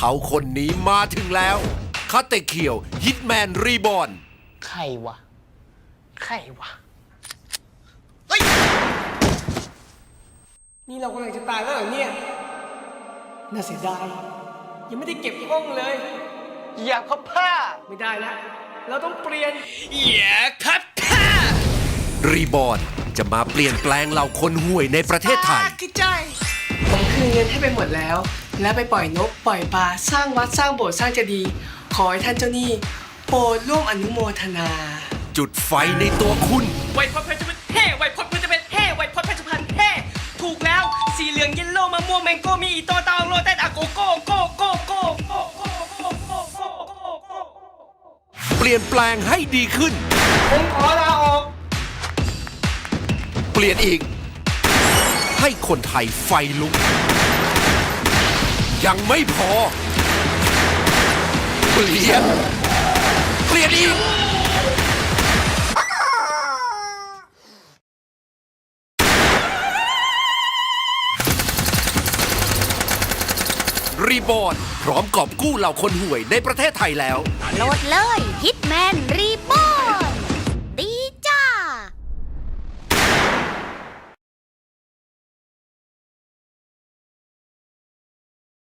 เขาคนนี้มาถึงแล้วคาเตเคียวฮิตแมนรีบอร์นใครวะ ใครวะนี่เรากำลังจะตายแล้วเหรอเนี่ย น่าเสียดาย ยังไม่ได้เก็บห้องเลยอย่าพับผ้าไม่ได้แล้ว เราต้องเปลี่ยนอย่าพับผ้ารีบอร์นจะมาเปลี่ยนแปลงเหล่าคนห่วยในประเทศไทยผมคืนเงินให้ไปหมดแล้ว แล้วไปปล่อยนก ปล่อยปลา สร้างวัด สร้างโบสถ์ สร้างเจดีย์ ขอให้ท่านเจ้าหนี้โปรดร่วมอนุโมทนาจุดไฟในตัวคุณไวพจน์เพชรพันธุ์เฮ่ไวพจน์เพชรพันธุ์เฮ่ไวพจน์เพชรพันธุ์เฮ่ถูกแล้ว สีเหลืองเยลโล่มะม่วงแมงโก้มีอีโตตองโรเต้นอะโกโก้โก้โก้โก้โก้โก้โก้โก้โก้โก้เปลี่ยนแปลงให้ดีขึ้นผมขอลาออกเปลี่ยนอีก ให้คนไทยไฟลุก ยังไม่พอ เปลี่ยนอีก รีบอร์นพร้อมกอบกู้เหล่าคนห่วยในประเทศไทยแล้วโหลดเลยฮิตแมนรีบอร์